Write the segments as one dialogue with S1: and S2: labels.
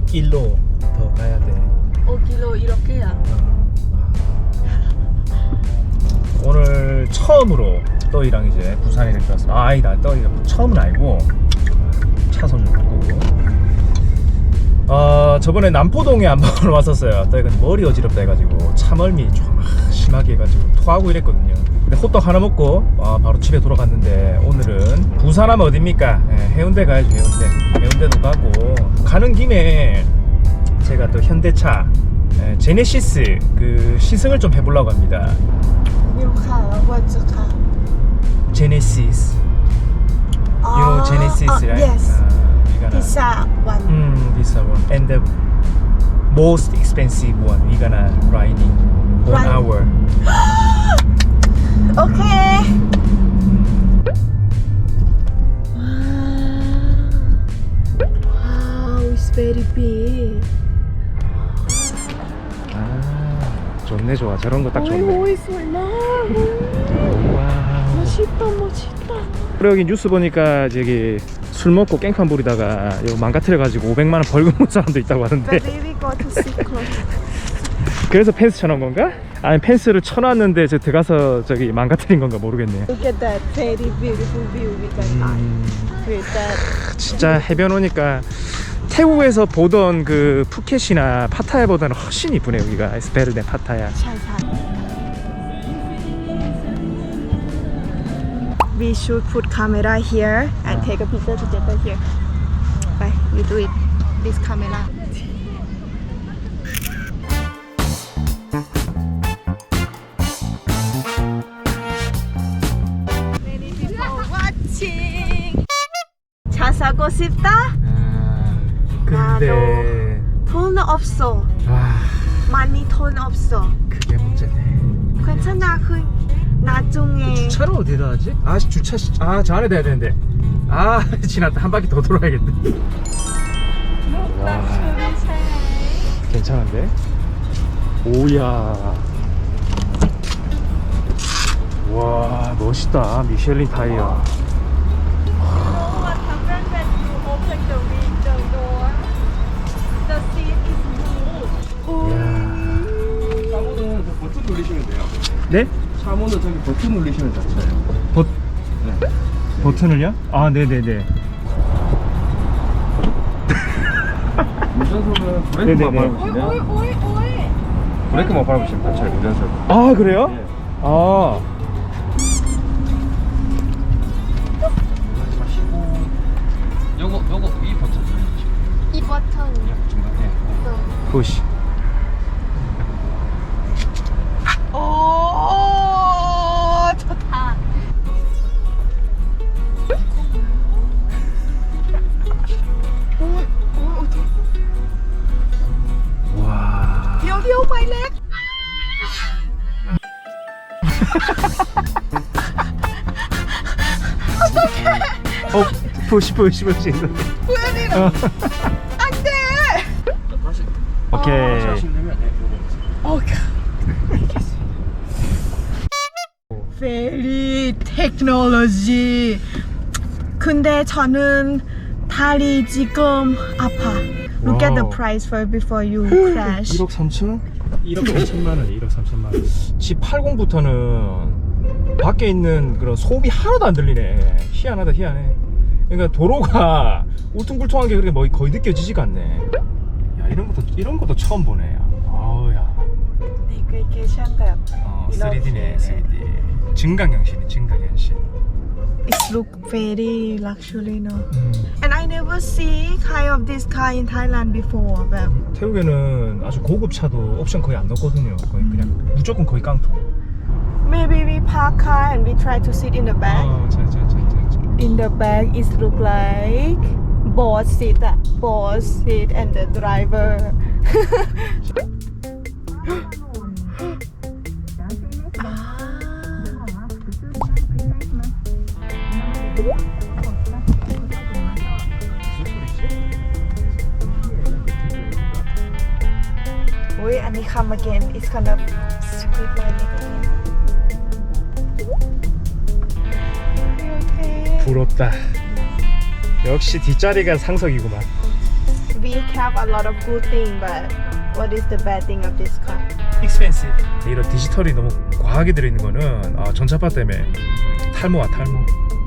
S1: 5km 더 가야 돼.
S2: 5km 이렇게야.
S1: 오늘 처음으로 떠이랑 이제 부산에 이렇게 왔어. 아니다, 떠이가 처음은 아니고 차선 좀 바꾸고. 저번에 남포동에 한번 왔었어요. 떠이가 머리 어지럽다 해가지고 참얼미 좀 심하게 해가지고 토하고 이랬거든요. 근데 호떡 하나 먹고 바로 집에 돌아갔는데, 오늘은 부산 하면 어딥니까? 해운대 가야죠. 해운대도 가고, 가는 김에 제가 또 현대차 제네시스 그 시승을 좀 해보려고 합니다. Genesis. You know Genesis, right?
S2: Yes.
S1: We're gonna,
S2: Pizza one.
S1: this one. And the most expensive one. We're gonna riding 1
S2: Ride.
S1: hour.
S2: Okay. Wow, it's very big.
S1: 좋네, 좋아. 저런 거 딱 좋네.
S2: 오이 설마.
S1: 와.
S2: 멋있다, 멋있다.
S1: 그리고 여기 뉴스 보니까 저기 술 먹고 깽판 부리다가 이거 망가뜨려가지고 500만 원 벌금 온 사람도 있다고 하는데.
S2: But we go to Sikon.
S1: 그래서 펜스 쳐놓은 건가? 아니, 펜스를 쳐놨는데 저 들어가서 저기 망가뜨린 건가 모르겠네.
S2: Look at that very beautiful view we can find. With that.
S1: 진짜 해변 오니까 태국에서 보던 그 푸켓이나 파타야보다는 훨씬 이쁘네. 여기가 It's better than 파타야.
S2: 잘 살. We should put camera here and take a picture together here. Bye, you do it. This camera. Many people watching. 차 사고 싶다?
S1: 근데
S2: 돈 없어. 많이 돈 없어.
S1: 그게 문제네.
S2: 괜찮아. 그 나중에.
S1: 주차를 어디다 하지? 주차 저 안에 대야 되는데. 지났다. 한 바퀴 더 돌아야겠네. 와, 괜찮은데? 오야. 와, 멋있다. 미쉐린 타이어.
S3: 차문은 버튼 누르시면 돼요.
S1: 네?
S3: 차문은 저기 버튼 누르시면 닫혀요. 네.
S1: 버튼을요? 네네네.
S3: 운전석은 브레이크만
S1: 네네네.
S3: 밟으시면 브레이크만 밟으시면 닫혀요. 운전석.
S1: 그래요?
S3: 네. 요거 이 버튼 누르시면
S2: 이 버튼.
S3: 중간에.
S1: 푸시.
S2: 오, 좋다.
S1: 와.
S2: 여기 오마이렉.
S1: 푸시.
S2: 왜 안 돼.
S3: 다시
S1: 오케이.
S3: 하시면 되면
S2: 오케이. Very technology. 근데 저는 다리 지금 아파. Look at the
S1: 와우.
S2: price for before you crash.
S1: 1억 3천? 1억 3천만 원, 1억 3천만 원. G80부터는 밖에 있는 그런 소음이 하나도 안 들리네. 희한하다, 희한해. 그러니까 도로가 울퉁불퉁한 게 그렇게 뭐 거의 느껴지지가 않네. 야, 이런 것도 처음 보네. 야.
S2: 내비게이션 맵.
S1: 3D네, 3D. 증강현실이네, 증강현실.
S2: It look very luxury, no? And I never see kind of this car in Thailand before. แบบ
S1: 태국에는 아주 고급 차도 옵션 거의 안 넣거든요. 거의 그냥 무조건 거의 깡통.
S2: Maybe we park car and we try to sit in the back. In the back, it look like boss seat, and the driver. Wait, and it come again. It's gonna squeeze my leg again. Okay.
S1: 부럽다. 역시 뒷자리가 상석이구만.
S2: we have a lot of good thing, but what is the bad thing of this car?
S1: expensive. 이런 디지털이 너무 과하게 들어있는 거는 전차파 때문에 탈모야 탈모.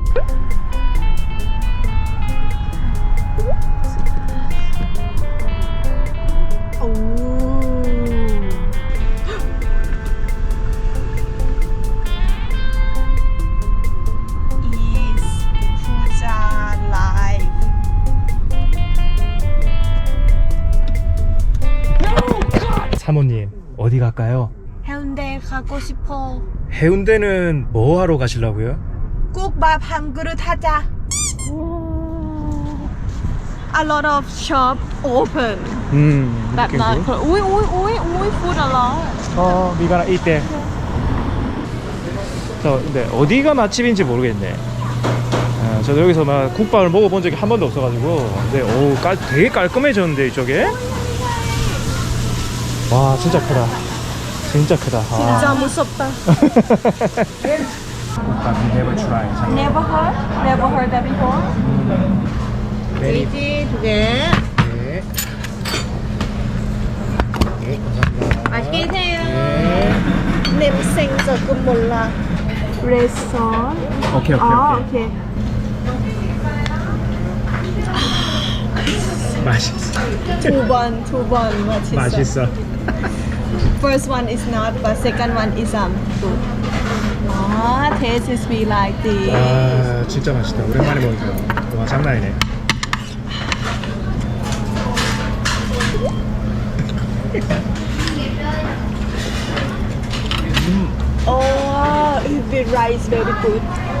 S2: Is Puja live?
S1: 사모님 어디 갈까요?
S2: 해운대 가고 싶어.
S1: 해운대는 뭐 하러 가시려고요?
S2: 국밥 한 그릇 하자. A lot of shop open. แบบนั้นอุ้ย food a lot.
S1: we gonna eat there. 근데 어디가 맛집인지 모르겠네. 저도 여기서 막 국밥을 먹어본 적이 한 번도 없어가지고. 근데 되게 깔끔해졌는데 이쪽에. 와 진짜 크다. 진짜 크다.
S2: 진짜 무섭다.
S1: 국밥 never try.
S2: Never heard that before.
S1: 네.
S2: 두 개.
S1: 네. 네, 감사합니다.
S2: 맛있게 드세요.
S1: 네.
S2: 냄새 조금 몰라. 레스토랑.
S1: 오케이.
S2: 오케이.
S1: 맛있어.
S2: 두 번 맛있어.
S1: 맛있어.
S2: First one is not, but second one is good. Taste is be like this.
S1: 진짜 맛있다. 오랜만에 먹으니까. 와 장난 아니네.
S2: The rice very good.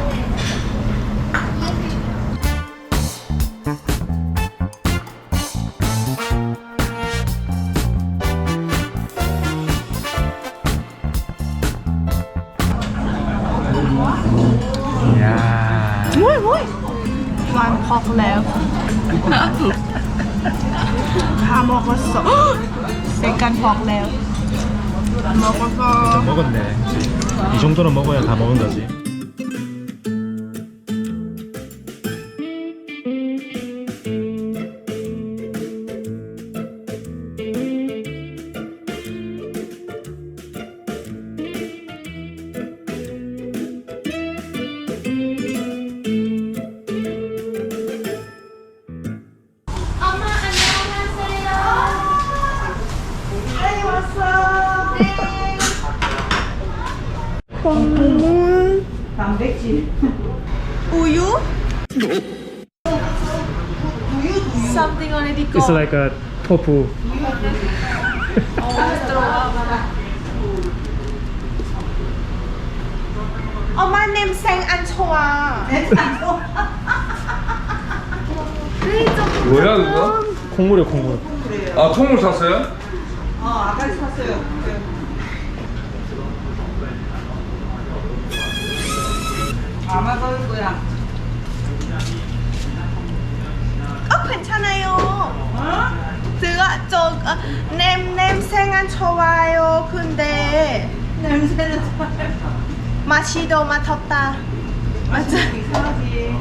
S1: 이야.
S2: One pork left. 다 먹었어. Second pork left. 먹었어.
S1: 먹었네. 이 정도는 먹어야 다 먹은 거지.
S2: 콩물. 단백질. 우유? Something already
S1: It's
S2: gone.
S1: like a tofu.
S2: 엄마 냄새 안 좋아.
S3: 뭐야 그거?
S1: 콩물이요 콩물.
S3: 아 콩물 샀어요?
S4: 아까 샀어요. 아마 그럴 거야.
S2: 괜찮아요. 제가 냄새가 안 좋아요. 근데
S4: 냄새는 좋아요.
S2: 맛이 더 맡았다. 맞아.
S4: 이상하지.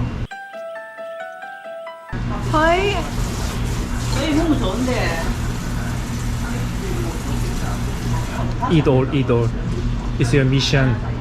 S2: 거의
S4: 저희 몸은 좋은데.
S1: Eat all. It's your mission.